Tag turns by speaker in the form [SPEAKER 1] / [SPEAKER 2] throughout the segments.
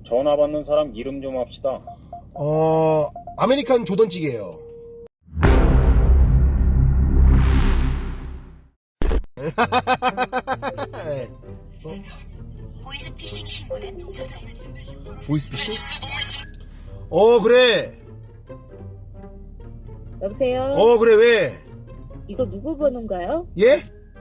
[SPEAKER 1] 전화 받는 사람 이름 좀 합시다.
[SPEAKER 2] 아메리칸 조던찌개예요.
[SPEAKER 3] 보이스피싱 신고는 전화해.
[SPEAKER 2] 보이스피싱? 그래.
[SPEAKER 4] 여보세요?
[SPEAKER 2] 그래, 왜?
[SPEAKER 4] 이거 누구 번호인가요?
[SPEAKER 2] 예?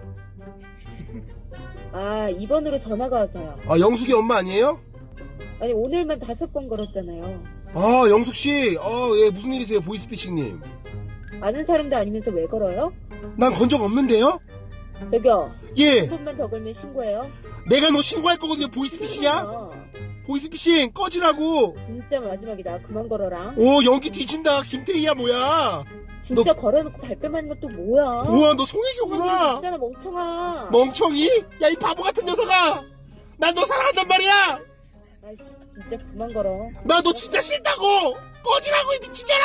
[SPEAKER 4] 아, 2번으로 전화가 와서요.
[SPEAKER 2] 영숙이 엄마 아니에요?
[SPEAKER 4] 아니, 오늘만 5번 걸었잖아요.
[SPEAKER 2] 영숙씨. 예, 무슨 일이세요, 보이스피싱님?
[SPEAKER 4] 아는 사람도 아니면서 왜 걸어요?
[SPEAKER 2] 난 건 적 없는데요?
[SPEAKER 4] 저기요.
[SPEAKER 2] 예.
[SPEAKER 4] 한 번만 더 걸면 신고해요.
[SPEAKER 2] 내가 너 신고할 거거든요, 보이스피싱이야?
[SPEAKER 4] 어,
[SPEAKER 2] 보이스피싱, 꺼지라고.
[SPEAKER 4] 진짜 마지막이다. 그만 걸어라.
[SPEAKER 2] 연기 뒤진다, 김태희야, 뭐야?
[SPEAKER 4] 진짜 걸어놓고 발뺌 하는 것도 뭐야?
[SPEAKER 2] 우와, 너 송혜교구나.
[SPEAKER 4] 진짜나 멍청아.
[SPEAKER 2] 멍청이? 야, 이 바보 같은 녀석아! 난 너 사랑한단 말이야!
[SPEAKER 4] 아이, 진짜 그만 걸어.
[SPEAKER 2] 나 너 진짜 싫다고! 꺼지라고, 이 미친년아!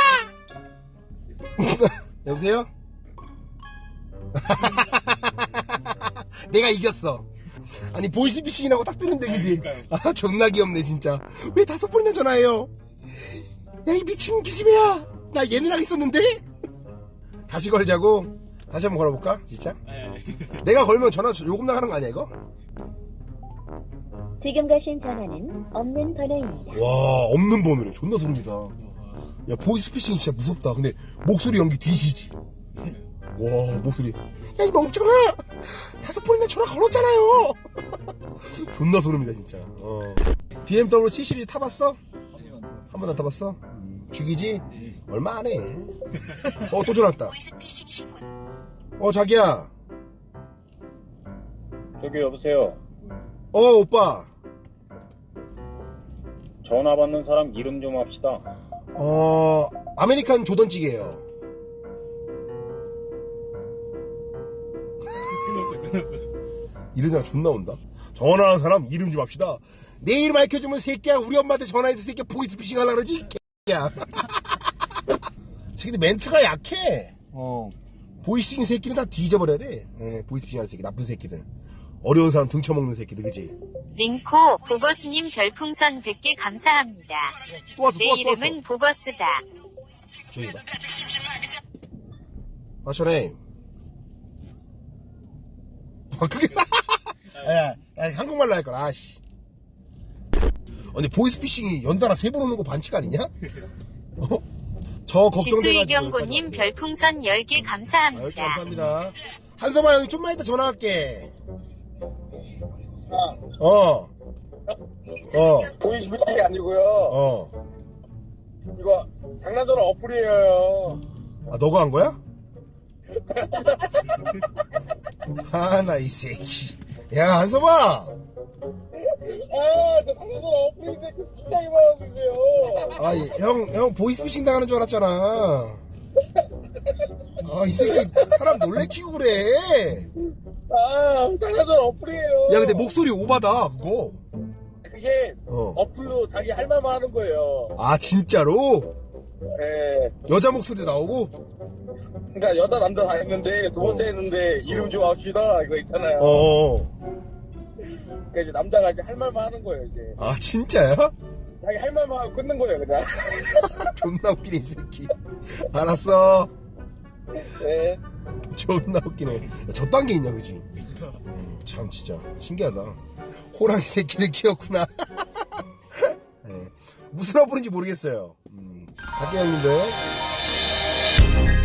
[SPEAKER 2] 여보세요? 내가 이겼어. 아니, 보이스피싱이라고 딱 뜨는데, 그지? 존나 귀엽네, 진짜. 왜 5번이나 전화해요? 야, 이 미친 기집애야! 나 얘네랑 있었는데? 다시 걸자고? 다시 한번 걸어볼까? 진짜? 내가 걸면 전화 요금 나가는 거 아니야, 이거?
[SPEAKER 4] 지금 가신 전화는 없는 번호입니다.
[SPEAKER 2] 와, 없는 번호래. 존나 소름이다. 야, 보이스피싱이 진짜 무섭다. 근데 목소리 연기 뒤지지. 와, 목소리. 야, 이 멍청아! 5번이나 전화 걸었잖아요! 존나 소름이다, 진짜. BMW 7 시리즈 타봤어? 한 번도 안 타봤어? 죽이지? 얼마 안 해. 또 전화 왔다.
[SPEAKER 3] 보이스피싱 신고.
[SPEAKER 2] 자기야.
[SPEAKER 1] 저기 여보세요.
[SPEAKER 2] 오빠.
[SPEAKER 1] 전화 받는 사람 이름 좀 합시다.
[SPEAKER 2] 아메리칸 조던찌개예요. 이러잖아, 존나 온다. 전화하는 사람 이름 좀 합시다. 내 이름 알려주면 새끼야, 우리 엄마한테 전화해서 새끼야 보이스피싱 하려고 그러지? 새끼야. 새끼들 멘트가 약해. 보이스피싱 새끼는 다 뒤져버려야 돼. 보이스피싱 하는 새끼, 나쁜 새끼들. 어려운 사람 등쳐먹는 새끼들, 그치?
[SPEAKER 5] 링코 보거스님 별풍선 100개 감사합니다.
[SPEAKER 2] 또 왔어,
[SPEAKER 5] 내
[SPEAKER 2] 또 왔어, 또 왔어.
[SPEAKER 5] 이름은 보거스다.
[SPEAKER 2] 저기 봐. 전에. 그게. 야, 한국말로 할 거라, 아씨. 아니, 보이스피싱이 연달아 3번 오는 거 반칙 아니냐? 저 걱정돼가지고.
[SPEAKER 5] 지수이경고님 별풍선 10개 감사합니다.
[SPEAKER 2] 감사합니다. 한서마 형이 좀만 이따 전화할게.
[SPEAKER 6] 보이스피싱이 아니고요. 이거 장난전화 어플이에요.
[SPEAKER 2] 너가 한 거야? 나 이 새끼. 야, 한서마!
[SPEAKER 6] 저 장난전화 어플인데 그 진짜 이만하고 있어요.
[SPEAKER 2] 형 보이스피싱 당하는 줄 알았잖아. 이 새끼 사람 놀래키고 그래.
[SPEAKER 6] 장난전화 어플이에요.
[SPEAKER 2] 야, 근데 목소리 오바다, 그거.
[SPEAKER 6] 그게 어플로 자기 할 말만 하는 거예요.
[SPEAKER 2] 진짜로?
[SPEAKER 6] 예.
[SPEAKER 2] 여자 목소리 나오고?
[SPEAKER 6] 그러니까 여자 남자 다 했는데 두 번째 했는데 이름 좀 합시다 이거 있잖아요. 그러니까 이제 남자가 이제 할 말만 하는 거예요 이제.
[SPEAKER 2] 진짜야?
[SPEAKER 6] 자기 할 말만 하고 끊는 거예요 그냥.
[SPEAKER 2] 존나 웃기네, 이 새끼. 알았어.
[SPEAKER 6] 네.
[SPEAKER 2] 존나 웃기네. 야, 저딴 게 있냐, 그지? 참, 진짜. 신기하다. 호랑이 새끼를 키웠구나. 네. 무슨 어플인지 모르겠어요. 갈게요, 형님들.